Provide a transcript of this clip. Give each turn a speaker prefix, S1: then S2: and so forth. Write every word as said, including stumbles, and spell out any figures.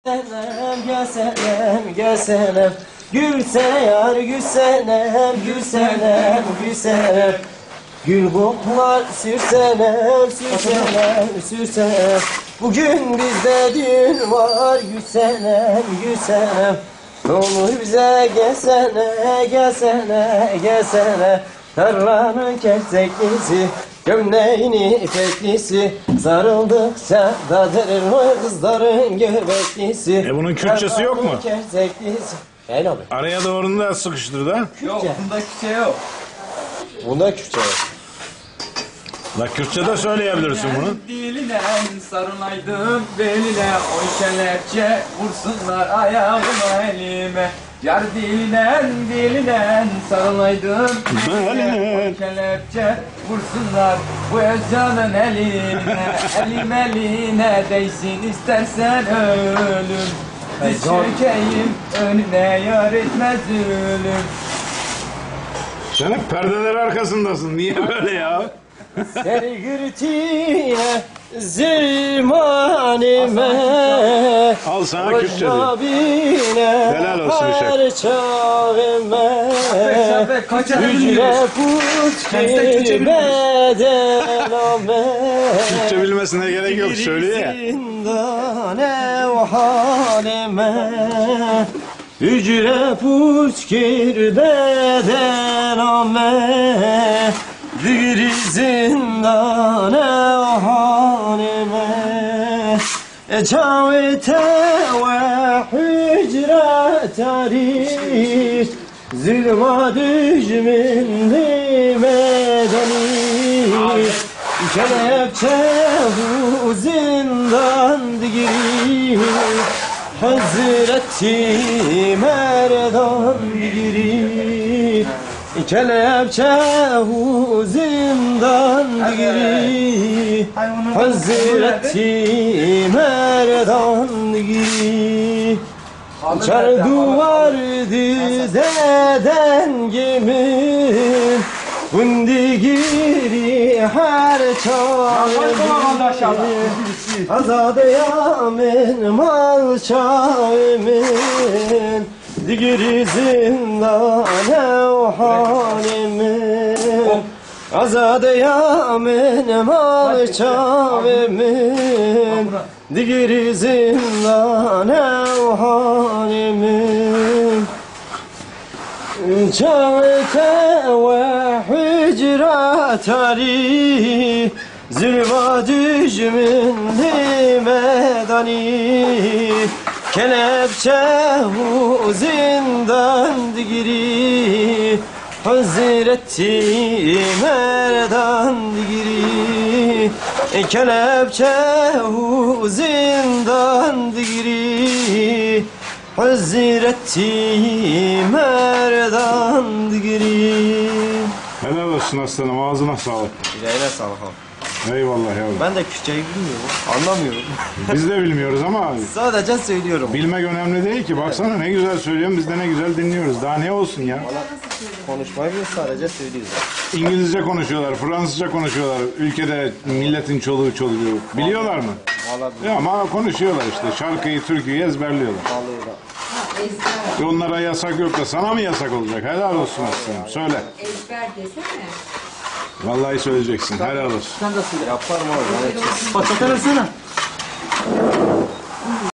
S1: Senem gülsenem gülsenem gülsene yar gülsenem gülsenem gülsenem gül koklar sürsenem sürsenem sürsenem bugün bizde düğün var gülsenem gülsenem ne olur bize gelsene gelsene gelsene tarlanın kerteklisi gömleğini ipeklisi sarıldıkça dadırır o kızların göbeklisi.
S2: E bunun Kürtçesi yok mu?
S1: Helal abi.
S2: Araya doğru da sıkıştır da.
S3: Yok, bunda Kürtçe yok.
S1: Bunda Kürtçe yok.
S2: La Kürtçe de söyleyebilirsin bunu.
S3: Diline sarılaydım beline, o kelepçe vursunlar ayağıma elime. Yar diline diline sarılaydım beline, o kelepçe vursunlar bu özcanın eline. Elim eline değsin istersen ölüm, diz çökeyim önüne yar etmez ölüm.
S2: Sen hep perdeler arkasındasın. Niye böyle ya?
S1: Sergürtüye zirmanime
S2: Al sana Kürtçe diyeyim. Helal olsun Işık.
S1: Hücre put girmeden ame
S2: Kürtçe bilmesine gerek yok, söylüyor ya.
S1: Zindane o halime Hücre put girmeden ame bir zindane o halime Ecavete ve hücre tarih Zulma düşmündü medeni Kelepçe bu zindan digiri Hazreti Merdan digiri Kelepçe bu zindan digiri Hazreti Merdan digiri Çar duvar dizeden gemin Bundi giri her çağımın Azade yamin mal çağımın Digiri zindane o halimin Azade yamin mal çağımın Digiri zindane o halimin Çağıte ve hücre tarih Zülva düşmündü medani Kelepçe bu zindan digiri Hazreti Merdan digiri Kelepçe bu zindan digiri Hazreti Merdan digiri.
S2: Helal olsun aslanım, ağzına sağlık.
S1: Yüreğine sağlık abi.
S2: Eyvallah yavrum.
S1: Ben de Kürtçeyi bilmiyorum, anlamıyorum.
S2: Biz de bilmiyoruz ama
S1: Sadece söylüyorum.
S2: bilmek önemli değil ki. Baksana ne güzel söylüyorsun, biz de ne güzel dinliyoruz. Daha ne olsun ya?
S1: Konuşmayı biz sadece söylüyoruz.
S2: İngilizce konuşuyorlar, Fransızca konuşuyorlar. Ülkede milletin çoluğu çocuğu. Biliyorlar mı?
S1: Vallahi
S2: Ya ama konuşuyorlar işte. Şarkıyı, türküyü ezberliyorlar.
S1: vallahi
S2: E onlara yasak yok da sana mı yasak olacak? Helal olsun aslanım. Söyle.
S4: Ezber desene.
S2: Vallahi söyleyeceksin. Helal olsun.
S1: Sen de söyle. Yaparım abi. Paçaka versene.